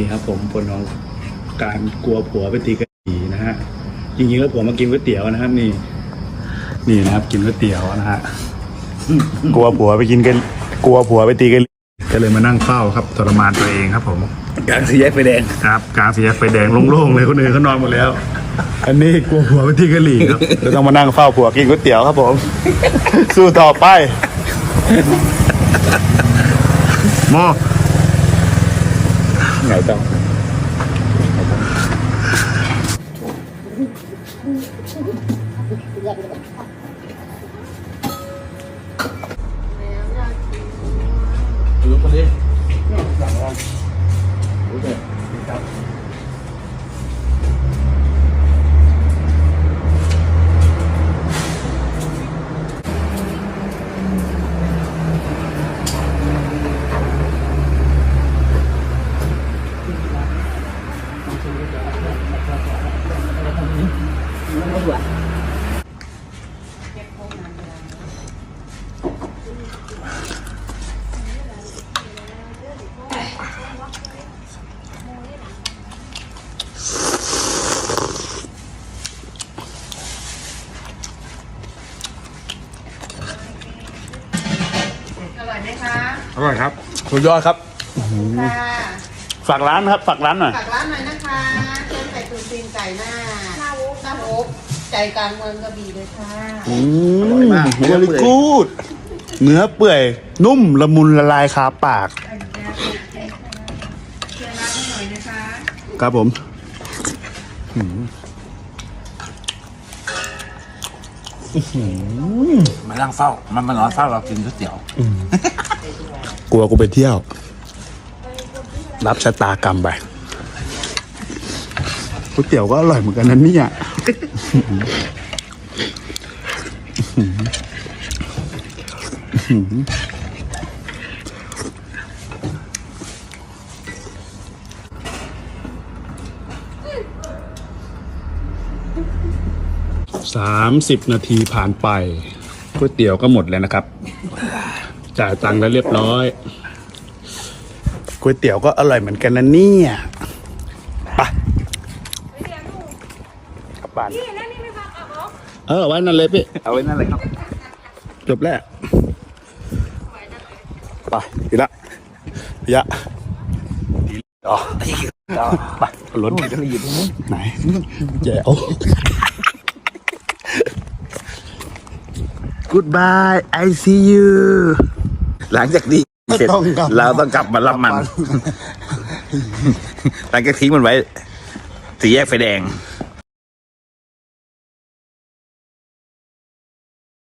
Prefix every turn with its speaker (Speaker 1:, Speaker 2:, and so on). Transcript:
Speaker 1: ครับผมผลของการกลัวผัวไปตีกะหรี่นะฮะจริงๆแล้วผัวมากินก๋วยเตี๋ยวนะครับนี่นะครับกินก๋วยเตี๋ยวนะฮะกลัวผัวไปตีกะหรี่ก็เลยมานั่งเฝ้าครับทรมานตัวเองครับผม
Speaker 2: กลางสี่แยกไฟแดง
Speaker 1: ครับกลางสี่แยกไฟแดงโล่งๆเลยคนอื่นเขานอนหมดแล้วอันนี้กลัวผัวไปตีกะหรี่ครับจะต้องมานั่งเฝ้าผัวกินก๋วยเตี๋ยวครับผมสู้ต่อไปโมไงต้อง
Speaker 2: รู้คนนี้
Speaker 1: อร่อยครับ
Speaker 2: สุดยอดครับ
Speaker 1: ฝากร้านครับฝากร้านหน่อย
Speaker 3: ฝากร้านหน่อยนะคะเส้นไก่ตุ๋นตีนไก่หน้าโอ๊กใจกลางเมืองกระบี่เลยค่ะ
Speaker 2: อร่อยมาก
Speaker 1: เวลี่กูดเนื้อเปื่อยนุ่มละมุนละลายคาปาก
Speaker 3: เชียร์ร้านหน่อยนะคะ
Speaker 1: ครับผม
Speaker 2: มานั่งเฝ้ามันมานอนเฝ้าเรากินก๋วยเตี๋ยว
Speaker 1: กลัวกูไปเที่ยวรับชะตากรรมไปก๋วยเตี๋ยวก็อร่อยเหมือนกันนะเนี่ย30 นาทีผ่านไปก๋วยเตี๋ยวก็หมดแล้วนะครับจ่ายตังค์แล้วเรียบร้อยก๋วยเตี๋ยวก็อร่อยเหมือนกันนะเนี่ยไปกลับบ้านไว้นั่นเลยพี่
Speaker 2: เอาไว้นั่นเลยครับ
Speaker 1: จบแล้วไปทีละพี่ยะต่อไปรถไหนแจ๋ว Goodbye I see you
Speaker 2: หลังจากนี้เสร็จเราต้องกลับมารับมันหลังจากทิ้งมันไว้สี่แยกไฟแดง